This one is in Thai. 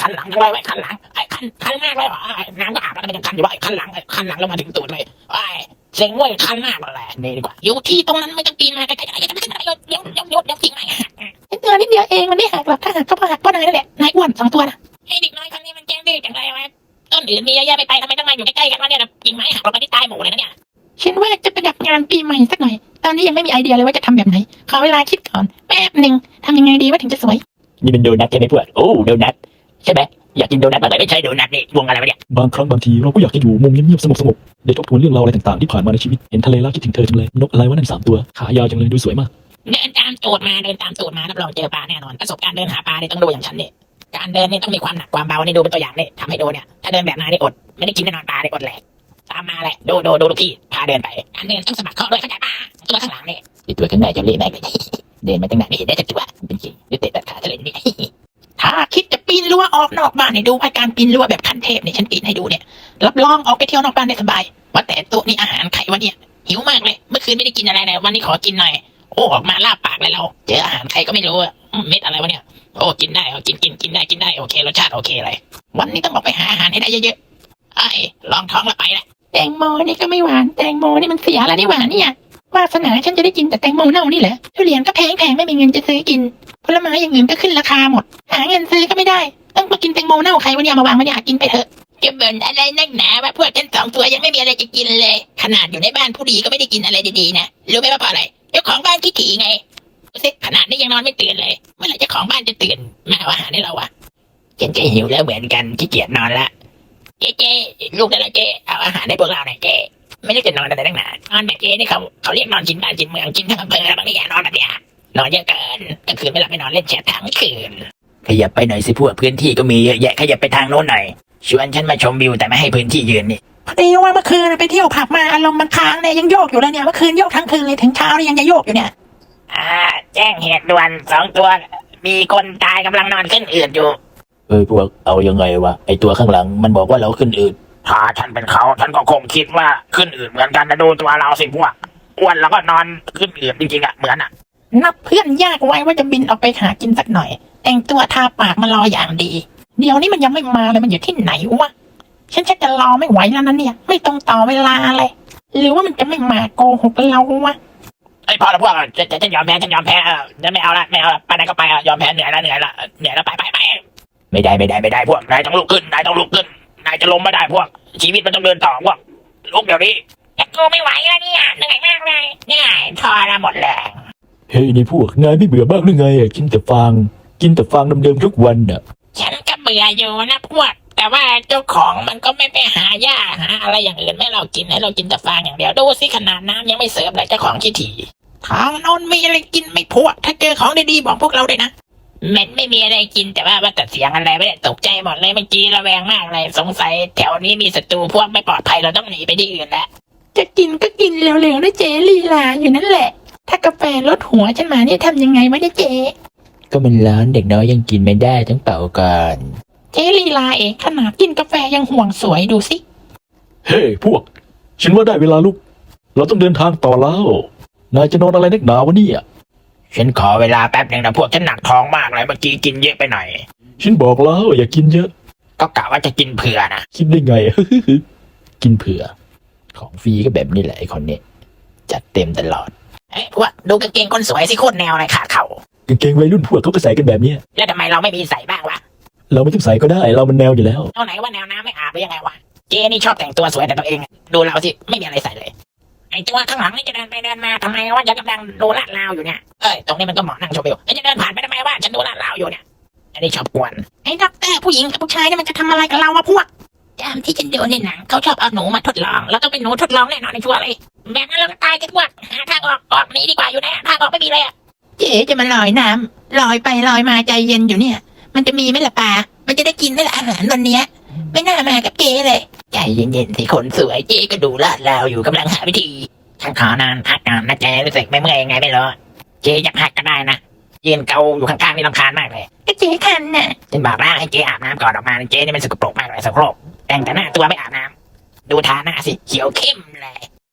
คันหลังจังเลยไอ้คันหลังไอ้คันมากเลยน้ำก็อาบแล้วก็เป็นคันอยู่ว่าไอ้คันหลังแล้วมาถึงตูดเลยไอ้เซ็งเว้ยคันมากเลยนี่ดีกว่าอยู่ที่ตรงนั้นไม่ต้องปีนมาไกลๆจะไม่ขึ้นอะไรเดี๋ยวทิ้งไม้หักนิดเดียวเองมันไม่หักหรอกถ้าหักก็หักเพราะนายนั่นแหละนายอ้วน2 ตัวนะไอ้เด็กน้อยคนนี้มันแกล้งดื้อจังเลยวะต้นอื่นมีเยอะแยะไปทำไมต้องมาอยู่ใกล้ๆกันวะเนี่ยกิ่งไม้หักลงไปที่ใต้หมู่เลยนะเนี่ยฉันว่าจะประดับงานปีใหม่สักหน่อยตอนนี้ยังไม่มีไอเดียเลยว่าจะทำแบบไหนขอเวลาคิดก่อนแป๊บหนึ่งทำยังไงดีว่าถึงจะสวยนี่เป็นโดนัทใช่ไหมพวกโอ้โดนัทใช่ไหมอยากกินโดนัทอะไรไม่ใช่โดนัทนี่วงอะไรวะเนี่ยบางครั้งบางทีเราก็อยากจะอยู่มุมเงียบๆสงบๆได้ทบทวนเรื่องราวอะไรต่างๆที่ผ่านมาในชีวิตเห็นทะเลแล้วคิดถึงเธอจังเลยนกอะไรวะนั่น3 ตัวขายาวจังเลยดูสวยมากเดินตามตูดมารับรองเจอปลาแน่นอนประสบการณ์เดินหาปลาเนี่ยต้องดูอย่างฉันเนี่ยการเดินนี่ต้องมีความหนักความเบานี่ดูเป็นตัวอย่างนี่ทำให้ดูเนี่ยถ้าเดินแบบนายนี่อดไม่ได้กินแน่นอนปลาเนี่ยอดแหลกตามมาแหละดูลูกพี่พาเดินไปการเดินต้องสะบัดข้อด้วยเข้าใจปะตัวข้างหลังเนี่ยตัวข้างในจะเละแม่งเลยเดินมาตั้งนานไม่เห็นได้สักตัวเป็นจริงหรือเตะตัดขาทะเลนี่ถ้าคิดจะปีนรั้วออกนอกบ้านให้ดูให้การปีนรั้วแบบขั้นเทพเนี่ยฉันปีนให้ดูเนี่ยรับรองออกไปเที่ยวนอกบ้านได้สบายว่าแต่ตัวนี้อาหารไข่วันเนี่ยหิวมากเลยเมื่อคืนไม่ได้กินอะไรเลยวันนี้ขอกินหน่อยโอ้ออกมาลาบปากเลยเราเจออาหารไข่ก็ไม่รู้เม็ดอะไรวะเนี่ยโอ้กินได้กินได้โอเครสชาติโอเคเลยวันนี้ต้องออกไปหาอาหารให้ได้เยอะๆไอ้ลองท้องแล้วไปละแตงโมนี่ก็ไม่หวานแตงโมนี่มันเสียแล้วนี่หวานเนี่ยวาสนาฉันจะได้กินแต่แตงโมเน่านี่แหละทุเรียนก็แพงไม่มีเงินจะซื้อกินผลไม้อย่างอื่นก็ขึ้นราคาหมดหาเงินซื้อก็ไม่ได้ต้องมากินแตงโมเน่าใครวะเนี่ยมาวางมาเนี่ยกินไปเถอะจะเบิ่นอะไรนักหนาว่าพวกฉัน2 ตัวยังไม่มีอะไรจะกินเลยขนาดอยู่ในบ้านผู้ดีก็ไม่ได้กินอะไรดีๆนะรู้ไหมว่าเพราะอะไรเจ้าของบ้านขี้ถี่ไงขนาดนี้ยังนอนไม่ตื่นเลยเมื่อไหร่เจ้าของบ้านจะตื่นมาเอาอาหารให้เราวะฉันก็หิวแล้วเหมือนกันขี้เกียจนอนละเจ๊ลูกได้แล้วเจ๊เอาอาหารให้พวกเราหน่อยเจ๊ไม่ได้จะนอนอะไรตั้งนานนอนแบบเจ๊นี่เขาเรียกนอนกินบ้านกินเมืองกินทั้งอำเภอบางทีนอนแบบเนี้ยนอนเยอะเกินกลางคืนไม่หลับไม่นอนเล่นแชททั้งคืนขยับไปหน่อยสิพวกพื้นที่ก็มีเยอะแยะขยับไปทางโน้นหน่อยชวนฉันมาชมวิวแต่ไม่ให้พื้นที่ยืนนี่พอดีว่าเมื่อคืนไปเที่ยวผับมาอารมณ์มันค้างเนี่ยยังโยกอยู่เลยเนี่ยเมื่อคืนโยกทั้งคืนเลยถึงเช้าเลยยังจะโยกอยู่เนี่ยแจ้งเหตุด่วน2 ตัวมีคนตายกำลังนอนขึ้นอืดอยู่พวกเอายังไงวะไอตัวข้างหลังมันบอกว่าเราขึ้นอืดถ้าฉันเป็นเขาฉันก็คงคิดว่าขึ้นอืดเหมือนกันนะดูตัวเราสิพวกอ้วนแล้วก็นอนขึ้นอืดจริงๆเหมือนนับเพื่อนยากไว้ว่าจะบินออกไปหากินสักหน่อยแต่งตัวทาปากมารออย่างดีเดี๋ยวนี้มันยังไม่มาเลยมันอยู่ที่ไหนวะฉันจะรอไม่ไหวแล้วนะเนี่ยไม่ต้องต่อเวลาเลยหรือว่ามันจะไม่มาโกหกเราวะไอ้พอแล้วพวกจะยอมแพ้จะไม่เอาละไปไหนก็ไปยอมแพ้เหนื่อยแล้วไปไม่ได้พวกนายต้องลุกขึ้นนายจะล้มไม่ได้พวกชีวิตมันต้องเดินต่อพวกลุกเดี๋ยวนี้กูไม่ไหวแล้วเนี่ยเหนื่อยมากเลยเนี่ยทอละหมดแรงเฮ้ยนี่พวกนายไม่เบื่อบ้างหรือไงกินแต่ฟางเดิมๆทุกวันน่ะฉันก็เบื่ออยู่นะพวกแต่ว่าเจ้าของมันก็ไม่ไปหาหญ้าหาอะไรอย่างอื่นให้เรากินแต่ฟางอย่างเดียวดูสิขนาดน้ำยังไม่เสิร์ฟเลยเจ้าของขี้ถี่ทางโน้นมีอะไรกินไม่พวกถ้าเจอของดีๆบอกพวกเราเลยนะมันไม่มีอะไรกินแต่ว่าแต่เสียงอะไรไม่ได้ตกใจหมดเลยเมื่อกี้ระแวงมากเลยสงสัยแถวนี้มีศัตรูพวกไม่ปลอดภัยเราต้องหนีไปที่อื่นแล้วจะกินก็กินเร็วๆนะเจลีลาอยู่นั่นแหละถ้ากาแฟลดหัวฉันมาเนี่ยทำยังไงไม่ได้เจก็มันร้อนเด็กน้อยยังกินไม่ได้ต้องเป่าก่อนเจลีลาเองขนาดกินกาแฟยังห่วงสวยดูสิเฮ้พวกฉันว่าได้เวลาลุกเราต้องเดินทางต่อแล้วนายจะนอนอะไรนักหนาวะเนี่ยฉันขอเวลาแป๊บนึงนะพวกฉันหนักท้องมากเลยเมื่อกี้กินเยอะไปหน่อยฉันบอกแล้วอย่ากินเยอะก็กะว่าจะกินเผื่อนะคิดได้ไง กินเผื่อของฟรีก็แบบนี้แหละไอ้คนนี้จัดเต็มตลอดพวกดูกางเกงคนสวยสิโคตรแนวเลยขาดเข่ากางเกงวัยรุ่นพวกเขาก็ใส่กันแบบนี้แล้วทำไมเราไม่มีใส่บ้างวะเราไม่ต้องใส่ก็ได้เรามันแนวอยู่แล้วเอาไหนว่าแนวน้ำไม่อาบหรือยังไงวะเจนี่ชอบแต่งตัวสวยแต่ตัวเองดูเราสิไม่มีอะไรใส่เลยไอ้ตัวข้างหลังนี่จะเดินไปเดินมาทำไมว่าจะกำลังดูลาดราวอยู่เนี่ยตรงนี้มันก็เหมาะนั่งชมวิวจะเดินผ่านไปทำไมว่าฉันดูลาดราวอยู่เนี่ยอันนี้ชอบกวนไอ้ด็อกเตอร์ผู้หญิงกับผู้ชายนี่มันจะทำอะไรกับเราวะพวกตามที่ฉันดูในหนังเขาชอบเอาหนูมาทดลองแล้วต้องเป็นหนูทดลองแน่นอนในชัวร์เลยแบบนั้นเราก็ตายกันพวกหาทางออกนี้ดีกว่าอยู่นะทางออกไม่มีเลยเจ๊จะมาลอยน้ำลอยไปลอยมาใจเย็นอยู่เนี่ยมันจะมีไหมล่ะปลามันจะได้กินไหมล่ะอาหารวันนี้ไม่น่ามากับเจ๊เลยใจเย็นๆสิคนสวยเจ๊ก็ดูลาดราวอยู่กำลังหาวิธีฉันขอนานพักนานนะเจ๊รู้สึกไม่เมื่อยยังไงไม่รู้เจ๊อยากพักก็ได้นะยืนเกาอยู่ข้างๆนี่รำคาญมากเลยก็เจ๊คันน่ะฉันบอกแล้วให้เจ๊อาบน้ำก่อนออกมาเจ๊นี่มันสกปรกมากเลยสกปรกแต่งแต่หน้าตัวไม่อาบน้ำดูทาหน้าสิเขียวเข้มเลย